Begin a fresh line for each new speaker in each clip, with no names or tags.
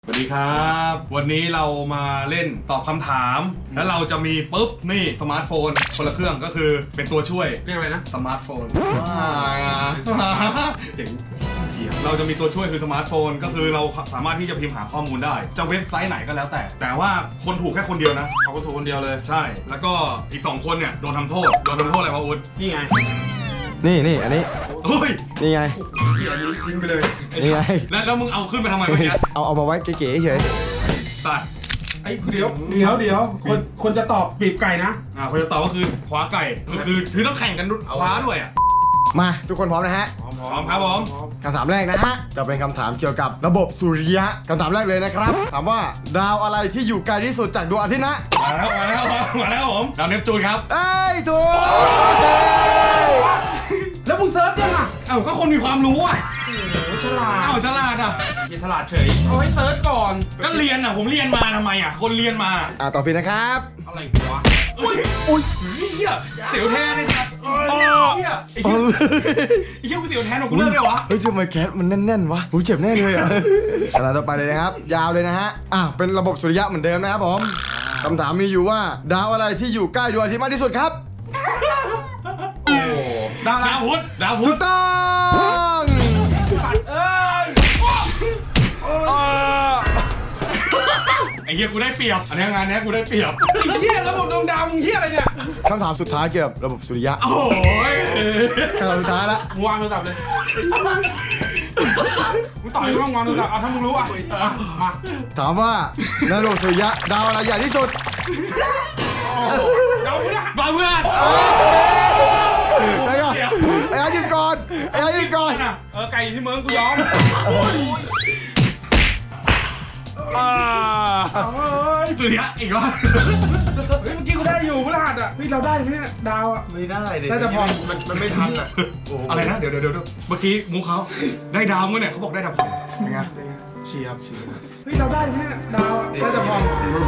สวัสดีครับวันนี้เรามาเล่นตอบคำถามแล้วเราจะมีปุ๊บนี่สมาร์ทโฟนคนละเครื่องก็คือเป็นตัวช่วย
เรียกอะไรนะ
สมาร์ทโฟนเจ๋งเราจะมีตัวช่วยคือสมาร์ทโฟนก็คือเราสามารถที่จะพิมพ์หาข้อมูลได้จะเว็บไซต์ไหนก็แล้วแต่ว่าคนถูกแค่คนเดียวนะ
เขาก็ถูกคนเดียวเลย
ใช่แล้วก็อีก2คนเนี่ยโดนทำโทษอะไรวะอุ๊ด
นี่ไง
นี่อันนี้
เฮ้ย
นี่ไง
อันนี้ทิ้งไปเลย
นี่ไง
แล้วมึงเอาขึ้นไปทำไมวะเนี่ย
เอามาไว้เก๋ๆเฉย
ตัด
ไอ้เดี๋ยวคนจะตอบปีบไก่นะ
คนจะตอบก็คือคว้าไก่คือต้องแข่งกันคว้าด้วยอ่ะ
มาทุกคนพร้อมนะฮะ
พร้อมครับผม
คำถามแรกนะฮะจะเป็นคำถามเกี่ยวกับระบบสุริยะคำถามแรกเลยนะครับถามว่าดาวอะไรที่อยู่ไกลที่สุดจากดวงอาทิตย์นะ
มาแล้วผมดาวเนปจูนครับ
เอ้ยถูก
แล้วมึงเซิร์ชยังอ่ะ
ก็คนมีความรู้อ่ะ
ฉลาด
ฉลาดอ่ะ
ฉลาดเฉยเอาให้เซิร์ชก่อน
ก็เรียนอ่ะผมเรียนมาทำไมอ่ะคนเรียนมา
ต่อไปนะครับ
อะไรวะอุ้ยเหี้ยเสียวแท้เลยครับเหี้ยไอ้เหี้ยกูเสียวแท้หนูกูเลิกเลยวะ
เฮ้ยทำไมแคทมันแน่นๆวะกูเจ็บแน่เลยอ่ะคำถามต่อไปเลยนะครับยาวเลยนะฮะเป็นระบบสุริยะเหมือนเดิมนะครับผมคำถามมีอยู่ว่าดาวอะไรที่อยู่ใกล้ดวงอาทิตย์มากที่สุดครับ
ดาวพุธ
ถูกต้อง
ไอ้เหี้ยกูได้เปรียบอันนี้งานนี้กูได้เปรียบ
ไอ้เหี้ยระบบดวงดาวมึงเหี้ยอะไรเนี่ย
คำถามสุดท้ายเกี่ยวกับระบบสุริยะ
โอ้ย
คำถามสุดท้ายละ
วางโทรศัพท์เลยมึงต่อยมึงวางโทรศัพท์ถ้ามึงรู้มา
ถามว่าในระบบสุริยะดาวอะไรใหญ่ที่สุด
ดาวเพื่อน
ไอ้อายืนก่อน
ไก่ที่เมืองกูยอม
สุริยะอีกแล้ว
เมื่อกี้กูได้อยู่พฤหัสอ่ะเราได้ไหมดาวอ่ะ
ไม่ได้เลย
น่าจะพอ
มันไม่ทันอ่ะ
อะไรนะเดี๋ยวเมื่อกี้มูเขาได้ดาวมั้งเนี่ยเขาบอกได้ดาวพอ
เป็นไง
เชียร์เราได้ไหมดาวน่าจะพอ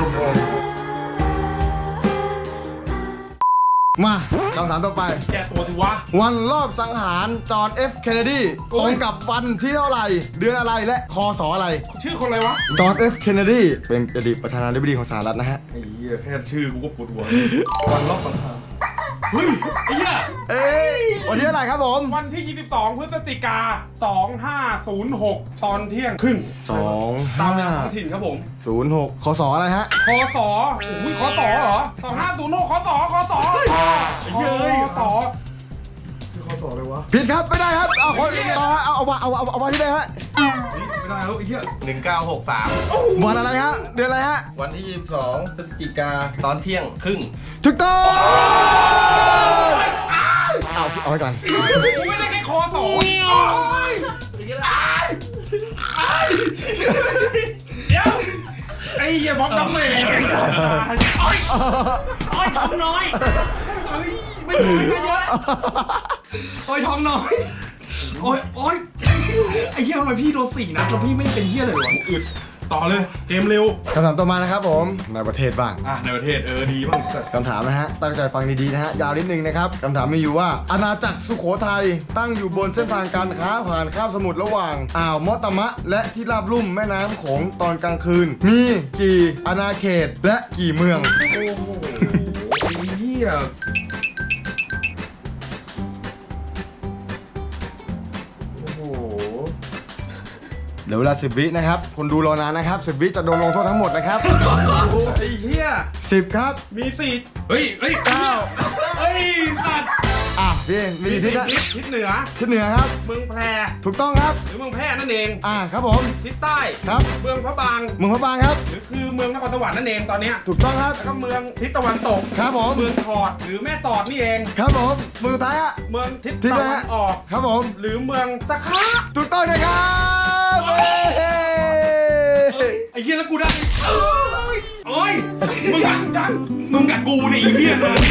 มาคำถามต่อไป
แกตัวถือว่า
วันรอบสังหารจอห์น F. เคนเนดีตรงกับวันที่เท่าไหร่เดือนอะไรและคศอะไร
ชื่อคนอะไรวะ
จอห์น F. เคนเนดีเป็นอดีตประธานาธิบดีของสหรัฐนะฮะ
ไอ้เหี้ยแค่ชื่อกูก็ปวดหัววันรอบสังหารเฮ้ยไอ้เหี้ย
วันที่เท่าไหร่ครับผม
วันที่22พฤศจิกา2506ตอนเที่ยงครึ่งตามเวลาท้องถิ่นครับผม
06คศอะไรฮะ
คศอุ้ยคศเหรอ2506คศเย้ยคศคือคศเลยวะ
ผิดครับไม่ได้ครับเอาคนต่อเอาวันที่ไหนฮะ
ไม่ได้แล้วไอ้เหี้ย
1963วันอะไรฮะเดือนอะไรฮะ
วันที่22พฤศจิกาตอนเที่ยงครึ่ง
ถูกต้องเอาไว้ก่อน
ไม่ได้แค่คศเดี๋ยวไอ้เหี้ยบล็อกน้ำเมย์
โอ้ยท้องน้อย
ไม่ถูกไม่เยอะ
โอ้ยท้องน้อยโอ้ยไอ้เหี้ยทำไมพี่โดน4 นัดแล้วพี่ไม่เป็นเหี้ยเลยวะอึดต่อเลยเกมเร็ว
คำถามต่อมานะครับผมในประเทศบ้าง
ในประเทศดีบ้าง
คำถามนะฮะตั้งใจฟังดีๆนะฮะยาวนิดนึงนะครับคำถามมีอยู่ว่าอาณาจักรสุโขทัยตั้งอยู่บนเส้นทางการค้าผ่านคาบสมุทรระหว่างอ่าวมอตมะและที่ราบลุ่มแม่น้ำโขงตอนกลางคืนมีกี่อาณาเขตและกี่เมือง
โอ้โหเหี้ย
เดี๋ยวเวลา10 วินะครับคนดูรอนานนะครับ10 วิจะโดนลงโทษทั้งหมดนะครับ
ไอ้เหี้ย
10ครับ
มี4
เฮ้ย9เฮ้ยสัตว์
พี่มีทิศนะ
ทิศเหนือ
ครับ
เมืองแพร่
ถูกต้องครับ
หรือเมืองแพร่นั่นเอง
ครับผม
ทิศใต้
ครับ
เมืองพระบาง
ครับ
หรือคือเมืองนครสวรรค์นั่นเองตอนนี้
ถูกต้องครับ
แล้วก็เมืองทิศตะวันตก
ครับผม
เมืองถอดหรือแม่ตอดนี่เอง
ครับผมเมืองสุดท้าย
เมืองทิศตะวันออก
ครับผม
หรือเมืองสักขะ
ถูกต้องนะครับ
ไอ้เหี้ยแล้วกูได้โอ้ยมึงกับกูเนี่ยไอ้เหี้ยนะ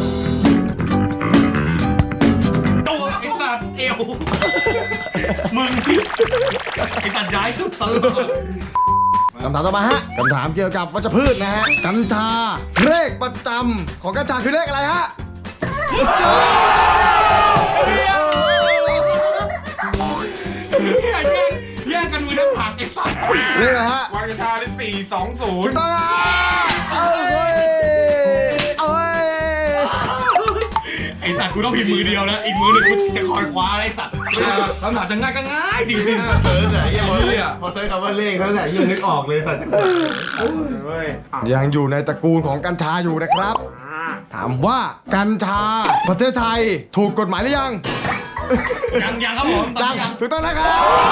ตัวไอ้สัตว์เอวมึงไอ้สัตว์ย้ายสุดตลอด
คำถามต่อมาฮะคำถามเกี่ยวกับวัชพืชนะฮะกัญชาเลขประจำของกัญชาคือเลขอะไรฮะ
แย่งกันมือน้ำผักไอ้สัตว์
เลขอะไรฮะ
วางกัญชาได้420
ถูกต้องนะเอาเว้ยเอาเว้ย
ไอสัตว์กูต้องพิมพ์มือเดียวนะอีกมือหนึงกูจะคอยคว้าไอสัตว์คำถามจะง่ายก็ง่ายจริง
เซิร์ชไหนยังพอเซิร์ชคำว่าเลขแล้วไหนยังนึกออกเลยสัตว์
เว้ย
ยังอยู่ในตระกูลของกัญชาอยู่นะครับ ถามว่ากัญชาประเทศไทยถูกกฎหมายหรือยัง
ๆยังครับผมตอน
ยัง
นี้ยัง
ถูกต้องนะครับ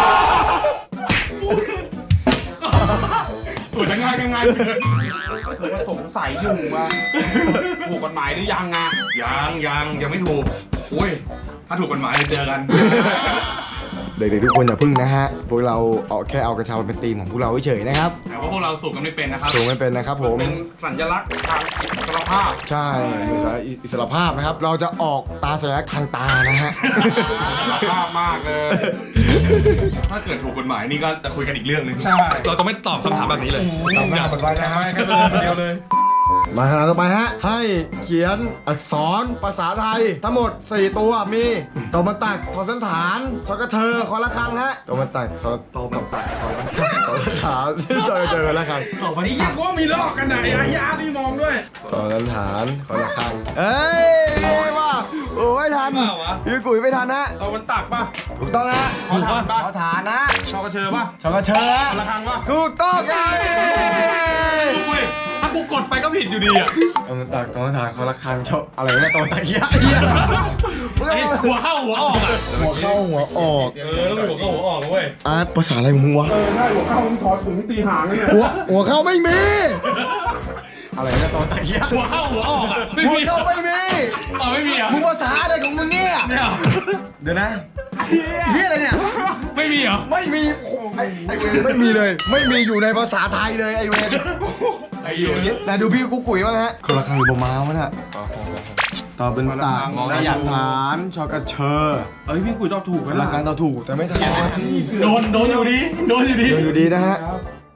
ตัวจะง่ายก็ง่ายเกิน
ผมก็สงสัยอยู่ว่าถูกกฎหมายหรือยังอ่ะ
ยังไม่ถูกอุ้ยถ้าถูกกฎหมายจะเจอกัน
เด็กๆทุกคนอย่าพึ่งนะฮะ พวกเราเอาแค่เอากัญชามาเป็นธีมของพวกเราเฉยๆนะครับ
แต่ว่าพวกเราสูบกันไม่เป็นนะครับ
สูงไม่เป็นนะครับผม
เป็นสัญลักษณ์ทางอิสรภาพ
ใช่อิสรภาพนะครับ เราจะออกตาสัญลักษณ์ทางตานะฮะ
อิสรภาพมากเลย
ถ้าเกิดถูกกฎหมายนี่ก็จะคุยกันอีกเรื่องหนึง
ใช่
เราจะไม่ตอบคำถามแบบนี้เลย
ตามหน้ามันไว้นะฮะ
แค่คนเดียวเลย
มาขนาดต่อไปฮะ ให้เขียนอักษรภาษาไทย ทั้งหมด 4 ตัวมีตัวมันตักทอสันฐานชอกระเชอคอละครังฮะตัวมันตักตัวมันตักทอสันฐานชอกระเชอคอละครัง
ตอบมา
ไอ้
ที่
ยักษ์ว่ามีลอกกันไหนไอ้ยานี่มองด้วย
ทอสันฐานคอละครังเอ้ยว่าโอ้ยทันพี่กุ๋ยไม่ทันฮะ
ตะวันตักป่ะ
ถูกต้องฮะ
ทอฐานป่ะ
ทอฐานนะ
ชอกระเชอป่ะ
ชอกระเชอฮะ
ระฆังป่ะ
ถูกต้องไง
เว้ยถ้ากูกดไปก็ผิดอยู่ดีอ่ะ
ตัวมันตักตัวมันฐานคอละครังชออะไรเนี่ยตัวมันตักเหี้ย
ไอ้หัวเข้าหัวออกอ่ะ
หัวเข้าหัวออก
ต้องหัวเข้าหัวออกเว้ย
อาร์ตภาษาอะไรของมึงวะ
ใช่หัวเข้ามึงถอดถุงตีหางเลยเนี่ย
หัวเข้าไม่มี อะไรนะตอนตะเกียบ
หัวเข้าหัวออกอ่ะไม่
หัว
มี
เข้าไม่มี
อ๋อไม่มีอ่ะ
มึงภาษาอะไรของมึงเนี่ย
เนี่ย
เดี๋ยวนะเฮียอะไรเนี่ย
ไม่มีเหรอ
ไม่มีโอ้โหไอเวรไม่มีเลย ไม่มีอยู่ในภาษาไทยเลยไอเวร
ไอ้อยู่
ไหนดูพี่กุ๊กกุ๋ยบ้างฮะคนละคำหรือบม้าวะเนี่ยต่อเป็นตากและหยัดฐานชอกระเชอ
เอ้ยพี่กุยตอบถูก
ค
แล้
น
ว
ละครั้งต่อถูกแต่ไม่ทัน
โดนอยู่ดีโดนอยู่ดี
อยู่ดีนะฮะ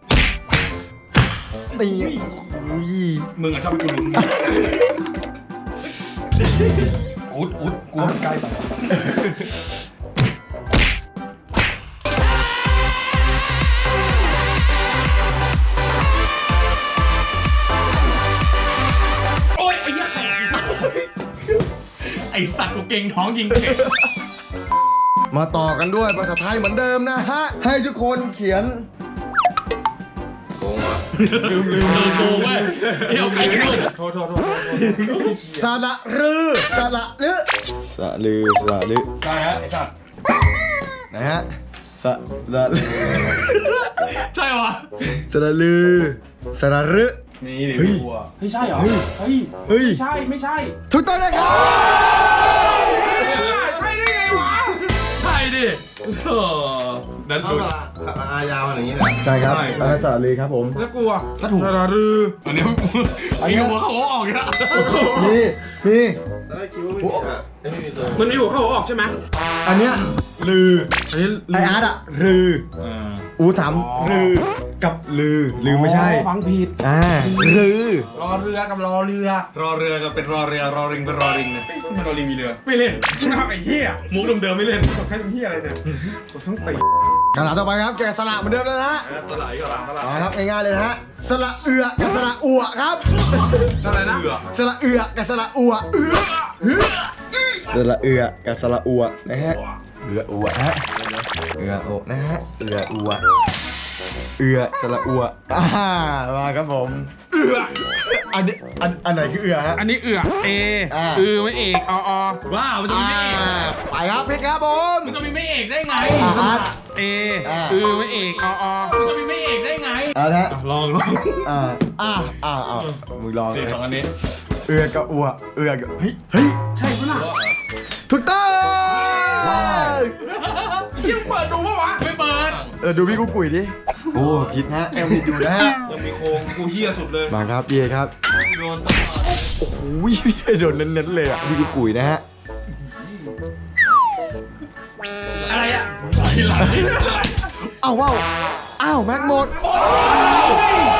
ตีโอ้ย
มึงอ่ะชอบไปกูลุ้นอุดกูใกล้ไปโอ๊ยไอ้เหี้ยไอ้สัตว์กูเก่งท้องยิงเก่ง
มาต่อกันด้วยภาษาไทยเหมือนเดิมนะฮะให้ทุกคนเขียน
ลืมโกงเว้ยไอ้เอาไก่ไปด้วย
โทษ
สระรือสระลือสระลือสระลือ
ได้ฮะไอ้สัตว์
นะฮะสระลือ
ใช่วะ
สระลือสระลือ
นี่ดิ
เฮ้ย
วัวเฮ้ยใช่เหรอ
เฮ้ย
เฮ้ย
เฮ้ย
ไม่ใช่
ถูกต้องนะครับ
ใช่ได้ไงวะ
ใช่ดินั่น
เอา
ดู
ละอายาวอย่างนี้เลย
ใช่ครับอันนั้นสระลือครับผม
แล้วกูอะถ้าถูกระรือ
อันนี้ไอ้หัวเขาออกอีกแล้ว
นี่นี่
แล้วคิดว่าไม่มีอ่ะไม่มีตัว
มันมีหัวเข้าหัวออกใช่ไหม
อันเนี้ยลือ
อันนี้
ไออาร์ตอะรืออูถามรือกับลือไม่ใช่
ฟังผิด
รือ
รอเรือกับรอเรือ
รอเรือก็เป็นรอเรือรอริงเป็นรอริงเนี่ย
รอลิงมีเรือ
ไม่เล่น
มึงทำไอ้เหี้ย
มุกเดิมๆไม่เล่น
กดแค่เหี้ยอะไรเนี่ยกดทั้งตี
คำถามต่อไปครับแกะสระเหมือนเดิมเลยนะฮะ
สลายก็ลา
เอาครับง่ายๆเลยนะฮะสระเอือกับสระอัวครับ
อะไรนะ
สระเอือกับสระอัวสระเอือกับสระอัวนะฮะเอืออัวฮะเอือโอนะฮะเอืออัวเอือสระอัวมาครับผมอันนี้อันไหนคือเอือฮะ
อันนี้เอือเอ ไม่เอกอ
ว้าวมันจะมีไม่เอก
ไปครับพิดครับผม
มันจะมีไม่เอกได้ไง
อาร์ต
เอไม่เอกอ
มันจะมีไม่เอกได้ไง
อาร์ตฮะ
ลอง
มึงลอง
เด็กสองอันนี้
เอือกับอัวเอือกับเฮ้ย
ใช่ปะล่ะ
ถูกต้อง
ยังเปิดดูปะวะ
ไม่เปิด
ดูพี่กุ๊กกุ๋ยดิโอ้ผิดฮะยังผิดอยู่นะฮะ
ยังมีโครงกูเหี้ยสุดเลย
มาครับพี่เอครับ
โดนตลอด
โอ้โหพี่เอโดนเน้นๆเลยอ่ะพี่กุ๊กกุ๋ยนะฮะ
อะไรอ่ะไหล
อ้าวว้าวอ้าวแม็กหมดโอ้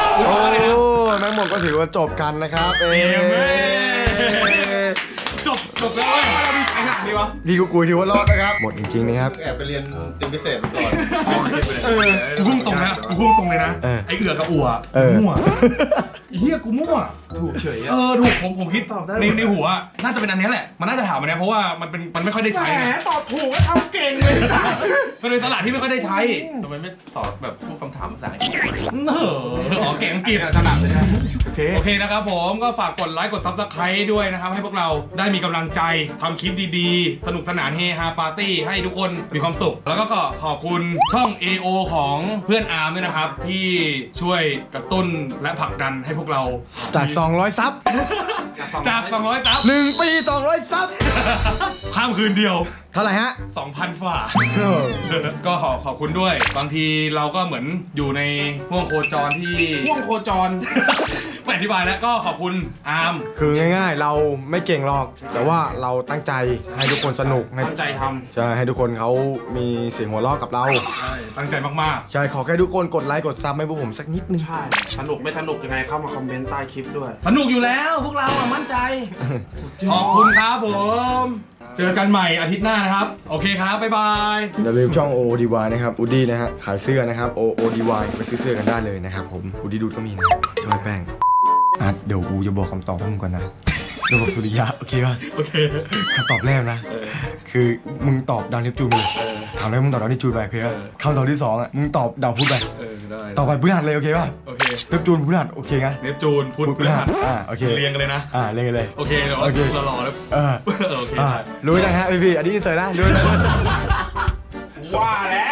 แม็กหมดก็ถือว่าจบกันนะครับ
จบจบแล้วเว้ยเรามีใครหนักดีวะ
พี่กูคุยถือว่ารอดนะครับหมดจริงๆนะครับ
แอบไปเรียนติมพิเศษมาก่อน
กูพุ่งตรงนะกูพุ่งตรงเลยนะ
เออ
ไอ้เอือกับอัว
เออ
มั่วไอ้เหี้ยกูมั่ว
ถูกเฉย
เออถูกผมคิดตอบได้ในหัวน่าจะเป็นอันนี้แหละมันน่าจะถามอันนี้เพราะว่ามันไม่ค่อยได้ใช้
แหมตอบถูกแล้วทำเก่งเลย
มันเป็นตลาดที่ไม่ค่อยได้ใช้
ทำไมไม่สอนแบบพวกคำถามภาษาอังกฤษ
อ๋อเก่งอังกฤษถนัดเลยนะโอเคนะครับผมก็ฝากกดไลค์กด Subscribe ด้วยนะครับให้พวกเราได้มีกำลังใจทำคลิปดีๆ สนุกสนานเฮฮาปาร์ตี้ให้ทุกคนมีความสุข แล้วก็ขอบคุณช่อง AO ของเพื่อนอาร์มด้วยนะครับที่ช่วยกระตุ้นและผลักดันให้พวกเรา
จาก 200 ซับ
จาก200ตับ
1 ปี 200 ซับ
ข้ามคืนเดียว
เท่าไหร่ฮะ
2,000 ฝ่า
เออ
ก็ขอบคุณด้วย บางทีเราก็เหมือนอยู่ในห่วงโคจรที่
ห่วงโคจร
ไม่อธิบายแล้วก็ขอบคุณอาร์ม
คือง่ายๆ เราไม่เก่งหรอก แต่ว่าเราตั้งใจให้ทุกคนสนุกให้
ตั้งใจท
ใช่ให้ทุกคนเขามีเสียงหัวเราะกับเรา
ำตั้งใจมาก
ใช่ขอแค่ทุกคนกดไลค์กดซับให้พวกผมสักนิดนึง
ใช่ สนุกไม่สนุกยังไงเข้ามาคอมเมนต์ใต้คลิปด้วย
ๆ สนุกอยู่แล้วพวกเราอะมั่นใจ ขอบคุณครับผม เจอกันใหม่อาทิตย์หน้านะครับ โอเคครับ บ๊ายบาย
อย่าลืมช่อง OODY นะครับอูดี้นะฮะขายเสื้อนะครับ OODY ไปซื้อเสื้อกันได้เลยนะครับผมอูดี้ดูดก็มีนะช่วยแป้งเดี๋ยวกูจะบอกคำตอบให้มึงก่อนนะจะบอกสุริยะโอเคป่ะ
โอเค
คำตอบแรกนะ คือมึงตอบดาวเนปจูนไปเลยถามแล้วมึงตอบดาวเนปจูนไปโอเคป่ะคำตอบที่สองมึงตอบดาวพุธไป
ได้
ต่อไปพฤหัสเลยโอเคป่ะ
โอเค
เนปจูนพฤหัสโอเคไง
เนปจูนพุธพฤหัส
โอเค
เรียงกันเลยนะ
เรียงกันเลย
โอเคเดี๋ยว
โอเค
เรารอแล้ว
เออ
โอเค
รู้ยังฮะพี่อันนี้อินเสิร์ตนะรู้ยัง
ว่าแล้ว